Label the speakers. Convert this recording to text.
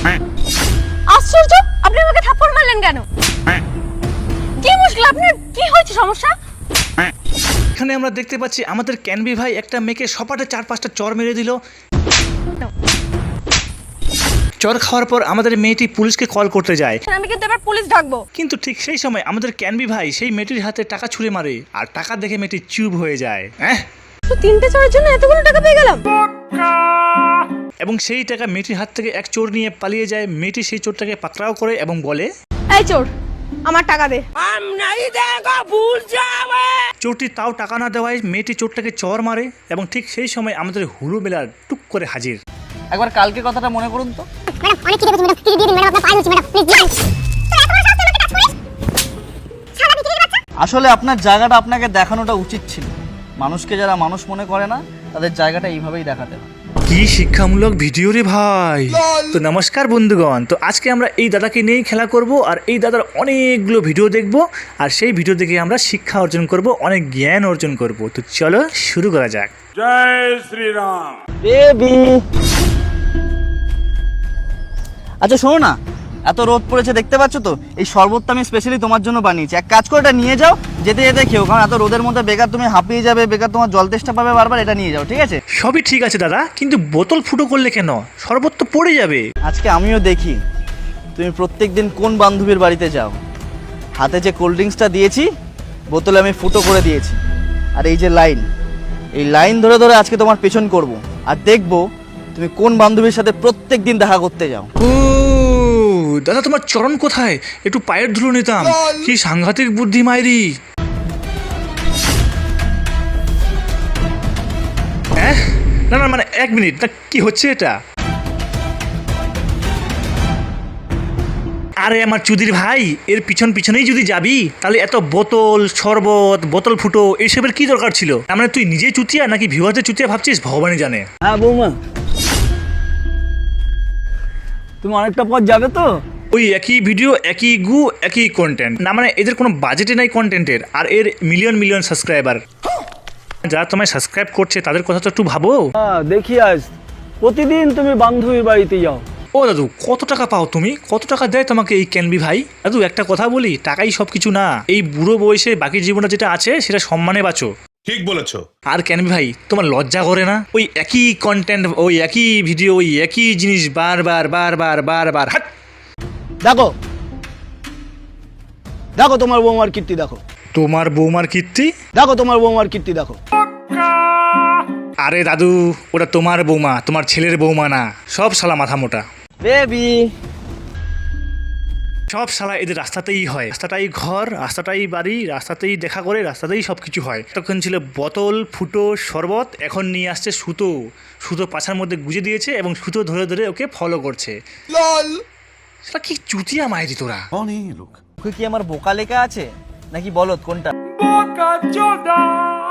Speaker 1: আশ্চর্য, আপনি আমাকে থাপ্পড় মারলেন কেন? কি মুশকিল আপনার? কি হয়েছে, সমস্যা?
Speaker 2: এখানে আমরা দেখতে পাচ্ছি আমাদের ক্যানবি ভাই একটা মেয়েকে সপাটে 4-5টা চর মেরে দিল। চর খাওয়ার পর আমাদের মেয়েটি পুলিশকে কল করতে যায়,
Speaker 1: আমি কিন্তু এবার পুলিশ ডাকবো।
Speaker 2: কিন্তু ঠিক সেই সময় আমাদের ক্যানবি ভাই সেই মেয়েটির হাতে টাকা ছুঁড়ে মারে, আর টাকা দেখে মেয়েটি চুপ হয়ে যায়।
Speaker 1: তো 3টে চোরের জন্য এতগুলো টাকা পেয়ে গেলাম।
Speaker 2: এবং সেই টাকা মেয়েটির হাত থেকে এক চোর নিয়ে পালিয়ে যায়। মেয়েটি সেই চোরটাকে পাকড়াও করে এবং বলে,
Speaker 1: এই চোর, আমার টাকা দে।
Speaker 2: চোরটি তাও টাকা না দেওয়ায় মেয়েটি চোরটাকে চর মারে, এবং ঠিক সেই সময় আমাদের হুলু বেলা টুক করে হাজির।
Speaker 3: একবার কালকে কথাটা মনে করুন তো।
Speaker 4: ম্যাডাম অনেক খিদে পেয়েছে ম্যাডাম, খিদে দিয়ে দিন ম্যাডাম, আপনার পায়ে ধরছি ম্যাডাম, প্লিজ দিন।
Speaker 3: আসলে আপনার জায়গাটা আপনাকে দেখানোটা উচিত ছিল। মানুষকে যারা মানুষ মনে করে না, তাদের জায়গাটা এইভাবেই দেখাতে হয়।
Speaker 2: কি শিক্ষামূলক ভিডিও রে ভাই। তো নমস্কার বন্ধুগণ, তো আজকে আমরা এই দাদাকে নিয়েই খেলা করব, আর এই দাদার অনেকগুলো ভিডিও দেখব, আর সেই ভিডিও দেখে আমরা শিক্ষা অর্জন করব, অনেক জ্ঞান অর্জন করব। তো চলো শুরু করা যাক।
Speaker 5: জয় শ্রীরাম।
Speaker 3: বেবি, আচ্ছা শোনো না, এত রোদ পড়েছে দেখতে পাচ্ছ তো, এই শরবতটা আমি স্পেশালি তোমার জন্য বানিয়েছি। এক কাজ করে এটা নিয়ে যাও, যেতে যেতে খেও, কারণ এত রোদের মধ্যে বেকার তুমি হাঁপিয়ে যাবে, বেকার তোমার জল তেষ্টা পাবে বারবার। এটা নিয়ে যাও, ঠিক আছে?
Speaker 2: সবই ঠিক আছে দাদা, কিন্তু বোতল ফুটো করলে কেন? শরবত তো পড়ে যাবে।
Speaker 3: আজকে আমিও দেখি তুমি প্রত্যেকদিন কোন বান্ধবীর বাড়িতে যাও। হাতে যে কোল্ড ড্রিঙ্কসটা দিয়েছি, বোতলে আমি ফুটো করে দিয়েছি, আর এই যে লাইন, এই লাইন ধরে ধরে আজকে তোমার পেছন করব, আর দেখবো তুমি কোন বান্ধবীর সাথে প্রত্যেক দিন দেখা করতে যাও।
Speaker 2: ও দাদা, তোমার চরণ কোথায়? একটু পায়ের ধুলো নিতাম। কি সাংঘাতিক বুদ্ধি মাইরি। হ্যাঁ, না না, মানে 1 মিনিট, না কি হচ্ছে এটা? আরে আমার চুদির ভাই, এর পিছনেই যদি যাবি, তাহলে এত বোতল শরবত, বোতল ফুটো এইসবের কি দরকার ছিল? তার মানে তুই নিজেই চুতিয়া নাকি ভিউয়ারদের চুতিয়া ভাবছিস? ভগবানই জানে।
Speaker 3: হ্যাঁ বৌমা, তুমি অনেকটা পথ যাবে তো?
Speaker 2: ওই একই ভিডিও, একই গু, একই কন্টেন্ট। না মানে এদের কোনো বাজেটে নাই কন্টেন্টের, আর এর মিলিয়ন সাবস্ক্রাইবার। যারা তোমায় সাবস্ক্রাইব করছে তাদের কথা তো একটু ভাবো।
Speaker 6: হ্যাঁ দেখি, আজ প্রতিদিন তুমি বান্ধবীর বাড়িতে যাও।
Speaker 2: ও দাদু, কত টাকা পাও তুমি? কত টাকা দেয় তোমাকে এই ক্যানবি ভাই? দাদু একটা কথা বলি, টাকাই সব কিছু না। এই বুড়ো বয়সে বাকি জীবনটা যেটা আছে সেটা সম্মানে বাঁচো।
Speaker 5: ঠিক বলেছো।
Speaker 2: আর ক্যানবি ভাই, তোমার লজ্জা করে না? ওই একই কন্টেন্ট, ওই একই ভিডিও, ওই একই জিনিস বারবার হাট।
Speaker 6: দেখো দেখো তোমার বৌমার কীর্তি দেখো,
Speaker 2: তোমার বৌমার কীর্তি?
Speaker 6: দেখো তোমার বৌমার কীর্তি দেখো।
Speaker 2: আরে দাদু, ওটা তোমার বৌমা, তোমার ছেলের বৌমা না। সব শালা মাথা মোটা।
Speaker 3: বেবি,
Speaker 2: সব শালা এদের রাস্তাতেই হয়। রাস্তাটাই ঘর, রাস্তাটাই বাড়ি, রাস্তাতেই দেখা করে, রাস্তাতেই সব কিছু হয়। তখন ছিল বোতল ফুটো শরবত, এখন নিয়ে আসছে সুতো। সুতো পাছার মধ্যে গুজে দিয়েছে এবং সুতো ধরে ধরে ওকে ফলো করছে। সেটা কি চুতিয়া মাইরি তোরা।
Speaker 3: কি আমার বোকা লেখা আছে নাকি বলত কোনটা?
Speaker 5: বোকা চোদা।